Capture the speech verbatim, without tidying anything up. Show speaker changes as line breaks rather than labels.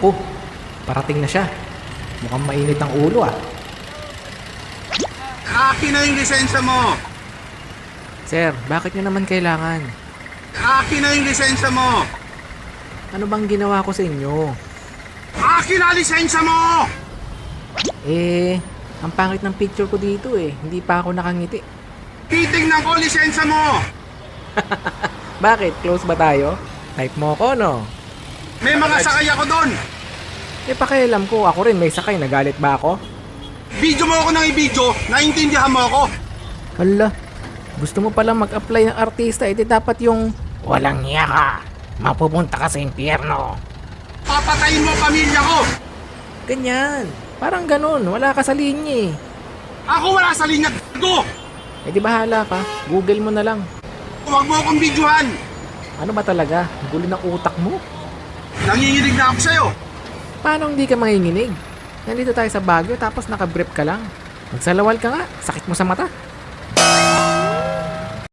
Naku, parating na siya. Mukhang mainit ang ulo ah.
Akin na yung lisensya mo!
Sir, bakit nyo naman kailangan?
Akin na yung lisensya mo!
Ano bang ginawa ko sa inyo?
Akin na lisensya mo!
Eh, ang pangit ng picture ko dito eh. Hindi pa ako nakangiti.
Titignan ko lisensya mo!
Bakit? Close ba tayo? Type mo ko, no?
May mga sakay ako doon!
Eh, pakialam ko. Ako rin may sakay. Nagalit ba ako?
Video mo ako ng i-video, naintindihan mo ako!
Hala, gusto mo palang mag-apply ng artista. Eh, di dapat yung walang hiya ka. Mapupunta ka sa impyerno.
Papatayin mo ang pamilya ko!
Ganyan. Parang ganun. Wala ka sa linya eh.
Ako wala sa linya ko!
Eh, di bahala ka. Google mo na lang.
Huwag mo akong videohan!
Ano ba talaga? Gulo ng utak mo?
Nanginginig na ako sa'yo!
Paano hindi ka manginginig? Nandito tayo sa Baguio tapos nakabrief ka lang. Magsalawal ka nga. Sakit mo sa mata.